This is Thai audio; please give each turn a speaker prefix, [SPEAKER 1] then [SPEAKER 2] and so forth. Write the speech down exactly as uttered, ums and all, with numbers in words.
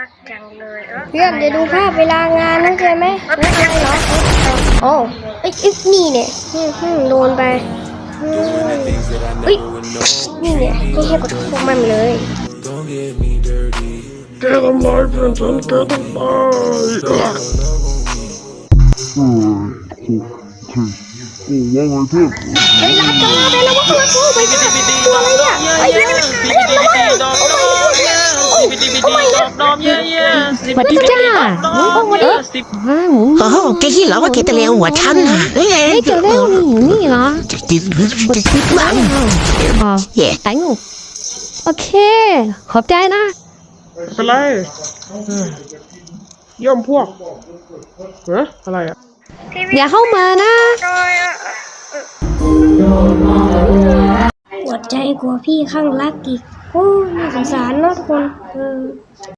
[SPEAKER 1] รักจังเลยเออ
[SPEAKER 2] เพื่อนจะดูภาพเวลางานนะใช่ไหมเฮ้ยอะไรเหรอโอ้ไอ้ยนี่เนี่ยอืมอืมโดนไปอืมเอ้ยนี่เนี่ยไม่ให้กดพวกมันเลย
[SPEAKER 3] แกทำร้ายเพื่อนฉันแกต้องตาย
[SPEAKER 4] โอ้ยโอ้ว่าไงเพื่อน
[SPEAKER 2] เฮ้ยรักกันแล้วไปแล้ววะรักโอ้ไปจ้าตัวอะไรเนี่ยไอ้เพื่อนเพื่อนระวังโอ้ยโอ้ยโอ้ย
[SPEAKER 5] สวัสดีจ้าเออว้าว
[SPEAKER 6] โอ้โหแกคิดเหรอว่าแกจะเลวหัวฉันน่ะเฮ้ย
[SPEAKER 5] เฮ้ยจะเร็วนี่อยู่นี่เหรอ
[SPEAKER 6] จะกิน
[SPEAKER 5] กดซิปบ้างอ๋อ
[SPEAKER 6] แย่
[SPEAKER 5] ไอ้งูโอเค ขอบใจนะ
[SPEAKER 3] เป็นไรเอ้ยย่อมพวกเฮ้อะไรอ่ะ
[SPEAKER 5] อย่าเข้ามานะ
[SPEAKER 2] ปวดใจกลัวพี่ข้างรักอีกโอ้น่าสงสารเนาะทุกคนเออ